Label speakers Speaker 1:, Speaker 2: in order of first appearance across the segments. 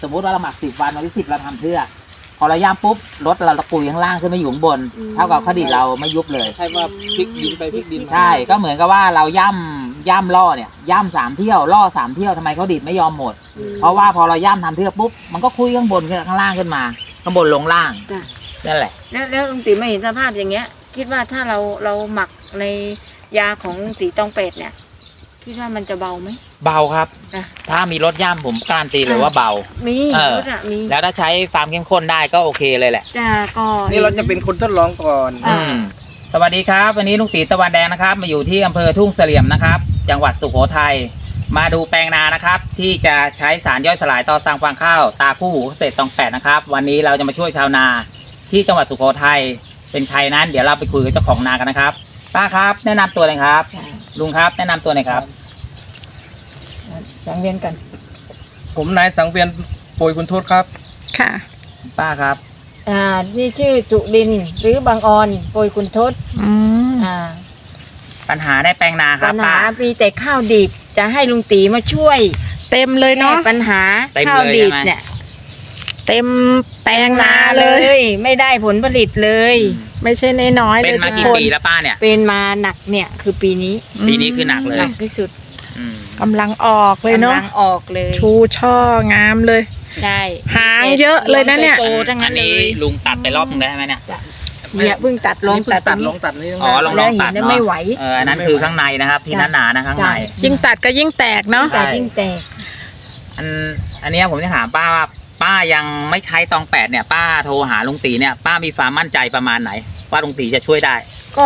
Speaker 1: สมมติว่าเราหมัก10 วันวันที่10เราทำเทือกพอเราย่ำปุ๊บรถเราตะกุยข้างล่างขึ้นมาอยู่ข้างบนเท่ากับข้าวดีดเราไม่ยุบเลย
Speaker 2: ใช่ว่าพลิกดินไปพลิกดินมา
Speaker 1: ใช่ก็เหมือนกับว่าเราย่ำล่อเนี่ยย่ำ3 เที่ยวล่อ3 เที่ยวทำไมข้าวดีดไม่ยอมหมดเพราะว่าพอเราย่ำทำเทือกปุ๊บมันก็คุยข้างบนขึ้นข้างล่างขึ้นมาข้างบนลงล่างนั่นแหละ
Speaker 3: แล้วลุงตีไม่เห็นสภาพอย่างเงี้ยคิดว่าถ้าเราหมักในยาของลุงตีตองเป็ดเนี่ยคิดว่ามันจะเบาไหม
Speaker 1: เบาครับถ้ามีรถย่ำผมการันตีเลยว่าเบา
Speaker 3: มีรถมี
Speaker 1: แล้วถ้าใช้ฟาร์มเข้มข้นได้ก็โอเคเลยแหละ
Speaker 3: ก็
Speaker 2: นี่เราจะเป็นคนทดลองก่อน
Speaker 1: สวัสดีครับวันนี้ลุงตีตะวันแดงนะครับมาอยู่ที่อำเภอทุ่งเสลี่ยมนะครับจังหวัดสุโขทัยมาดูแปลงนานะครับที่จะใช้สารย่อยสลายต่อสร้างฟางข้าวตาคู่หูเกษตรตอง8นะครับวันนี้เราจะมาช่วยชาวนาที่จังหวัดสุโขทัยเป็นใครนั้นเดี๋ยวเราไปคุยกับเจ้าของนากันนะครับป้าครับแนะนำตัวเลยครับลุงครับแนะนำตัวหน่อยครับ
Speaker 3: สังเวียนกัน
Speaker 2: ผมนายสังเวียนโปรยคุณโทษครับ
Speaker 3: ค่ะ
Speaker 1: ป้าครับ
Speaker 3: ที่ชื่อจุดินหรือบางออนโปรยคุณทศ
Speaker 1: ปัญหาในแปลงนาครับ
Speaker 3: ปัญหามีแต่ข้าวดีดจะให้ลุงตีมาช่วย
Speaker 4: เต็มเลยเนาะ
Speaker 3: ปัญหาข้าวดีดเนี่ย
Speaker 4: เต็มแปลงนาเลย
Speaker 3: ไม่ได้ผลผลิตเลย
Speaker 4: ไม่ใช่น้อยๆเลย
Speaker 1: เป็นมากี่ปีแล้วป้าเนี่ย
Speaker 3: เป็นมาหนักเนี่ยคือปีนี้
Speaker 1: คือหนักเลย
Speaker 3: หนักที่สุด
Speaker 4: กำลังออกเลยเนาะ
Speaker 3: กำลังออกเลย
Speaker 4: ชูช่องามเลย
Speaker 3: ใช่
Speaker 4: หางเยอะเลยนะเนี่ย
Speaker 1: อันนี้ลุงตัดไปรอบนึงได้ไหมเนี่ย
Speaker 3: เพิ่งตัดลง
Speaker 2: ตัดนี่
Speaker 1: อ๋อลองตัด
Speaker 3: ไม่ไหว
Speaker 1: อันนั้นคือข้างในนะครับที่หนาๆนะข้างใน
Speaker 4: ยิ่งตัดก็ยิ่งแตกเนาะ
Speaker 3: ยิ่งแตก
Speaker 1: อันนี้ผมจะถามป้าว่าป้ายังไม่ใช้ตอง8เนี่ยป้าโทรหาลุงตีเนี่ยป้ามีความมั่นใจประมาณไหนว่าลุงตีจะช่วยได้
Speaker 3: ก็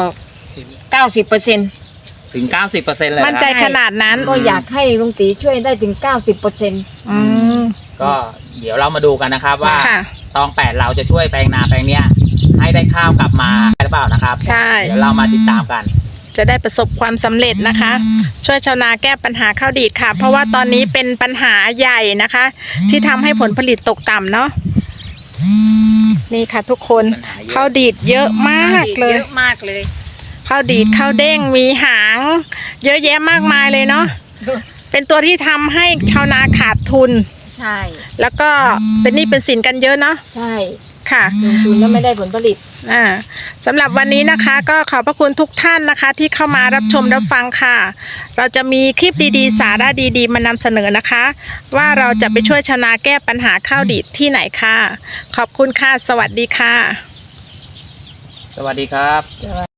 Speaker 3: 90%
Speaker 1: ถึง90%เลย
Speaker 4: มั่นใจขนาดนั้น
Speaker 3: ก็อยากให้ลุงตีช่วยได้ถึง90%
Speaker 1: ก็เดี๋ยวเรามาดูกันนะครับว่าตอง8เราจะช่วยแปลงนาแปลงเนี้ยให้ได้ข้าวกลับมาหรือเปล่านะครับ
Speaker 4: ใช่
Speaker 1: เดี๋ยวเรามาติดตามกัน
Speaker 4: จะได้ประสบความสำเร็จนะคะช่วยชาวนาแก้ปัญหาข้าวดีดค่ะเพราะว่าตอนนี้เป็นปัญหาใหญ่นะคะที่ทำให้ผลผลิตตกต่ำเนาะนี่ค่ะทุกคนข้าวดีดเยอะมากเลยข้าวดีดข้าวเด้งมีหางเยอะแยะมากมายเลยเนาะเป็นตัวที่ทำให้ชาวนาขาดทุน
Speaker 3: ใช่
Speaker 4: แล้วก็เป็นหนี้เป็นสินกันเยอะเนาะ
Speaker 3: ใช่
Speaker 4: ค่ะ
Speaker 3: ลงทุนแล้วไม่ได้ผลผลิต
Speaker 4: สำหรับวันนี้นะคะก็ขอบพระคุณทุกท่านนะคะที่เข้ามารับชมรับฟังค่ะเราจะมีคลิปดีๆสาระดีๆมานำเสนอนะคะว่าเราจะไปช่วยชาวนาแก้ปัญหาข้าวดีดที่ไหนค่ะขอบคุณค่ะสวัสดีค่ะ
Speaker 1: สวัสดีครับ